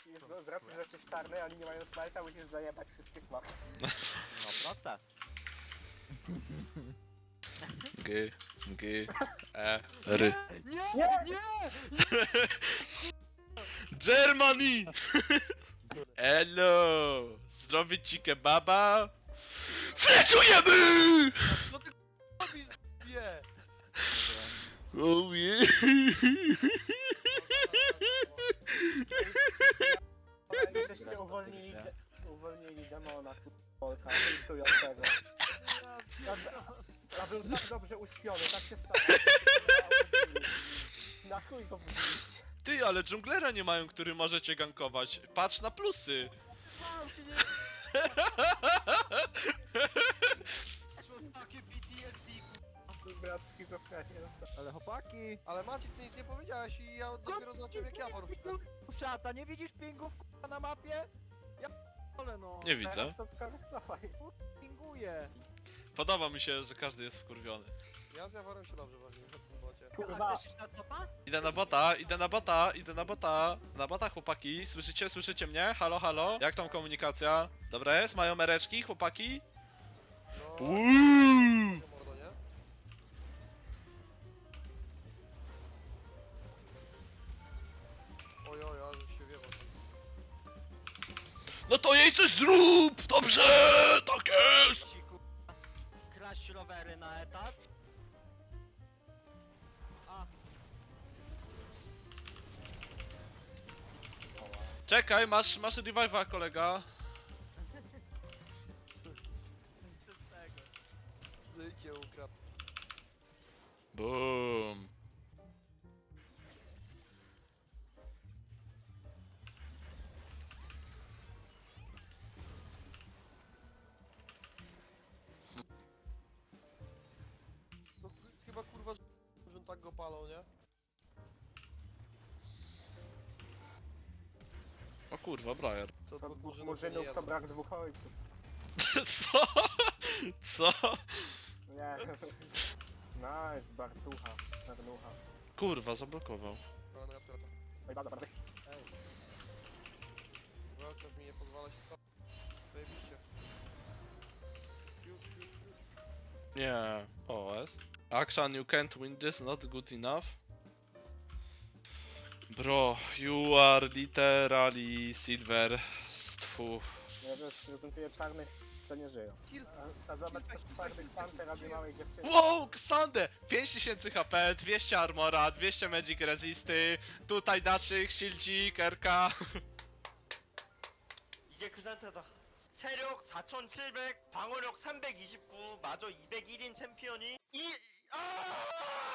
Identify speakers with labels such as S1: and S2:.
S1: z racji, że jesteś czarny, a oni nie mają smajta, musisz zajebać wszystkie smaki.
S2: No proste.
S3: G, G, E, R.
S1: Nie!
S3: Germany! Hello! Zrobić ci kebaba? Fleszujemy!
S4: No ty robisz, wie!
S3: Oh yeah!
S1: Ale żeście uwolnili demona, Polka, intującego. A był tak dobrze uśpiony, tak się stało. Na chuj go budziliście.
S3: Ty, ale dżunglera nie mają, który możecie gankować. Patrz na plusy.
S4: Takie PTSD,
S1: Brat schizofrenia.
S2: Ale chłopaki!
S4: Ale Maciek, ty nic nie powiedziałeś i ja dopiero zobaczyłem jak ja poruszam.
S2: Szata, nie widzisz pingów k***a, na mapie? Ja ale no.
S3: Nie widzę.
S1: Teraz to skorektowaj.
S2: Pinguję.
S3: Podoba mi się, że każdy jest wkurwiony.
S4: Ja z Jaworem się dobrze bawiłem w tym bocie.
S1: Kurwa.
S3: Idę na bota, idę na bota, idę na bota. Na bota, chłopaki. Słyszycie, słyszycie mnie? Halo, halo? Jak tam komunikacja? Dobra jest? Mają mereczki, chłopaki?
S4: No,
S3: Uuuu!
S4: mordo, nie? Oj, ale się wiewał.
S3: No to jej coś zrób! Dobrze! Tak jest!
S2: Kraść rowery na etat. A,
S3: Czekaj, masz revive'a, kolega.
S2: przez tego.
S4: Życie ukradł.
S3: Boom.
S4: No chyba kurwa, że tak go palą, nie?
S3: O kurwa, Briar.
S4: To
S1: Co
S4: pod
S1: dwóch
S4: Murzynów
S1: murzynów
S4: nie
S1: to
S4: jedzą.
S1: brak dwóch ojców.
S3: Co? Co?
S1: Nie. Nice, Bartucha. Czarnucha.
S3: Kurwa, zablokował.
S4: No ja wtracam.
S1: Oj, bardzo, bardzo.
S4: Ej. Welcome mi nie pozwala się to. Zajebiście. Już.
S3: Nie. OS. Action, you can't win this, not good enough. Bro, you are literally silver. Stwu.
S1: Ja reprezentuję czarnych, co nie żyją. A zobacz, co czarny Xante robi małej dziewczynie.
S3: Wow, Xande! 5000 HP, 200 armora, 200 magic resisty, tutaj naszych, shieldzik, RK.
S5: 이게 그 상태다. 체력 4700, 방어력 329, 마저 201인 챔피언이 아!